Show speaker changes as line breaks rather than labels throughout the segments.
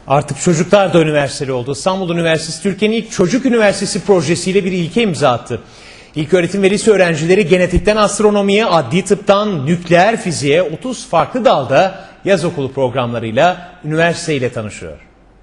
Artık çocuklar da üniversiteli oldu. İstanbul Üniversitesi Türkiye'nin ilk çocuk üniversitesi projesiyle bir ilke imza attı. İlköğretim ve lise öğrencileri genetikten astronomiye, adli tıptan nükleer fiziğe 30 farklı dalda yaz okulu programlarıyla üniversiteyle tanışıyor.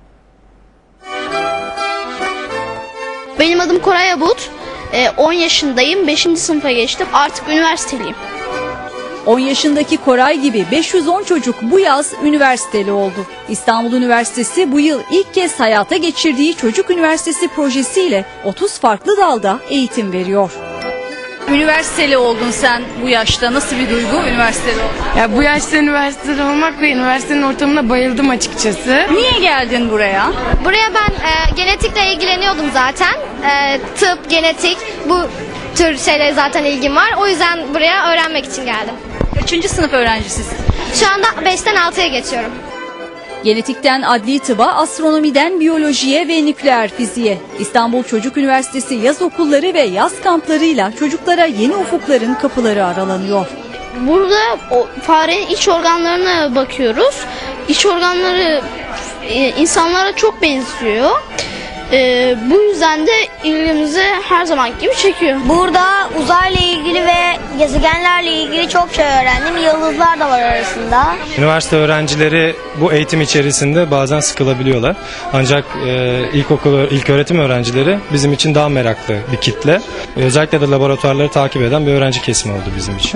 Benim adım Koray Abut. 10 yaşındayım. 5. sınıfa geçtim. Artık üniversiteliyim.
10 yaşındaki Koray gibi 510 çocuk bu yaz üniversiteli oldu. İstanbul Üniversitesi bu yıl ilk kez hayata geçirdiği Çocuk Üniversitesi projesiyle 30 farklı dalda eğitim veriyor. Üniversiteli oldun sen bu yaşta. Nasıl bir duygu üniversiteli olmak?
Ya bu yaşta üniversitede olmak ve üniversitenin ortamına bayıldım açıkçası.
Niye geldin buraya?
Buraya ben genetikle ilgileniyordum zaten. Tıp, genetik bu tür şeylere zaten ilgim var. O yüzden buraya öğrenmek için geldim.
Kaçıncı sınıf öğrencisisin?
Şu anda 5'ten 6'ya geçiyorum.
Genetikten adli tıba, astronomiden biyolojiye ve nükleer fiziğe. İstanbul Çocuk Üniversitesi yaz okulları ve yaz kamplarıyla çocuklara yeni ufukların kapıları aralanıyor.
Burada farenin iç organlarına bakıyoruz. İç organları insanlara çok benziyor. Bu yüzden de ilgimizi her zaman gibi çekiyor.
Burada uzayla ilgili ve gezegenlerle ilgili çok şey öğrendim. Yıldızlar da var arasında.
Üniversite öğrencileri bu eğitim içerisinde bazen sıkılabiliyorlar. Ancak ilköğretim öğrencileri bizim için daha meraklı bir kitle. Özellikle de laboratuvarları takip eden bir öğrenci kesimi oldu bizim için.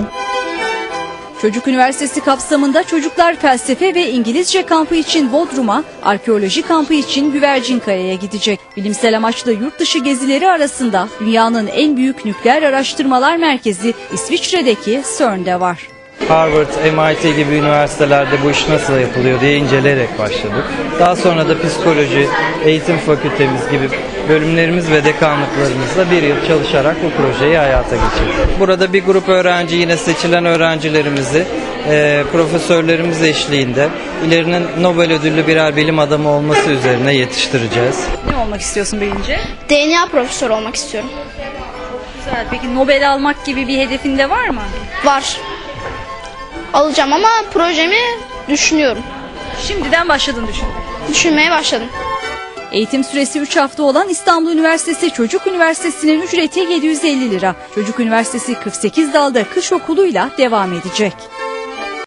Çocuk Üniversitesi kapsamında çocuklar felsefe ve İngilizce kampı için Bodrum'a, arkeoloji kampı için Güvercinkaya'ya gidecek. Bilimsel amaçlı yurt dışı gezileri arasında dünyanın en büyük nükleer araştırmalar merkezi İsviçre'deki CERN'de var.
Harvard, MIT gibi üniversitelerde bu iş nasıl yapılıyor diye inceleyerek başladık. Daha sonra da psikoloji, eğitim fakültemiz gibi bölümlerimiz ve dekanlıklarımızla bir yıl çalışarak bu projeyi hayata geçirdik. Burada bir grup öğrenci, yine seçilen öğrencilerimizi profesörlerimiz eşliğinde ilerinin Nobel ödüllü birer bilim adamı olması üzerine yetiştireceğiz.
Ne olmak istiyorsun büyüyünce?
DNA profesörü olmak istiyorum.
Güzel. Peki Nobel almak gibi bir hedefin de var mı?
Var. Alacağım ama projemi düşünüyorum.
Şimdiden başladın
Düşünmeye başladım.
Eğitim süresi 3 hafta olan İstanbul Üniversitesi Çocuk Üniversitesi'nin ücreti 750 lira. Çocuk Üniversitesi 48 dalda kış okuluyla devam edecek.